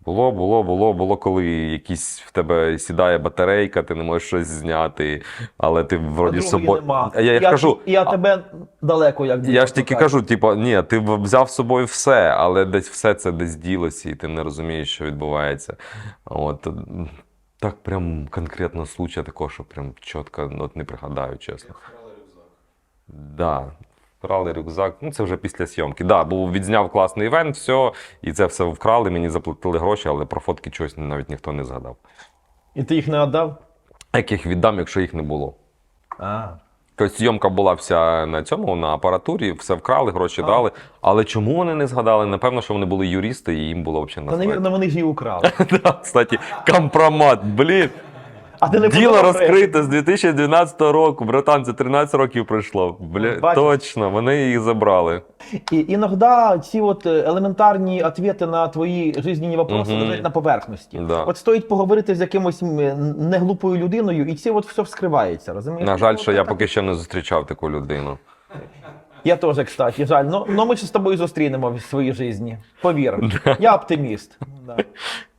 Було, коли якісь в тебе сідає батарейка, ти не можеш щось зняти, але ти вроді з собою. Нема. Я ж кажу, Я тебе далеко, як я ж тільки кажу, типу, ні, ти взяв з собою все, але десь все це десь ділося, і ти не розумієш, що відбувається. От. Так прям конкретно случая такого, що прям чітко от не пригадаю, чесно. Да. Вкрали рюкзак, ну це вже після зйомки. Да, був відзняв класний івент, все, і це все вкрали, мені заплатили гроші, але про фотки чогось навіть ніхто не згадав. І ти їх не віддав? Як їх віддам, якщо їх не було? А. Тобто зйомка була вся на цьому, на апаратурі, все вкрали, гроші дали. Але чому вони не згадали? Напевно, що вони були юристи і їм було взагалі Та, насправді. навірно, вони ж її украли. Да, кстати, компромат, блін. А ти не Діло подумав, розкрите з 2012 року, братан, це 13 років пройшло. Блін, Бачиш? точно, вони їх забрали. І іноді ці от елементарні відповіді на твої жизненні вопроси лежать на поверхності. Да. От стоїть поговорити з якимось неглупою людиною, і це от все вскривається, розумієш? На жаль, Ну, що я так. поки що не зустрічав таку людину. Я теж, кстати, жаль. Ну ми ж з тобою зустрінемо в своїй житті. Повір. Я оптиміст. Да.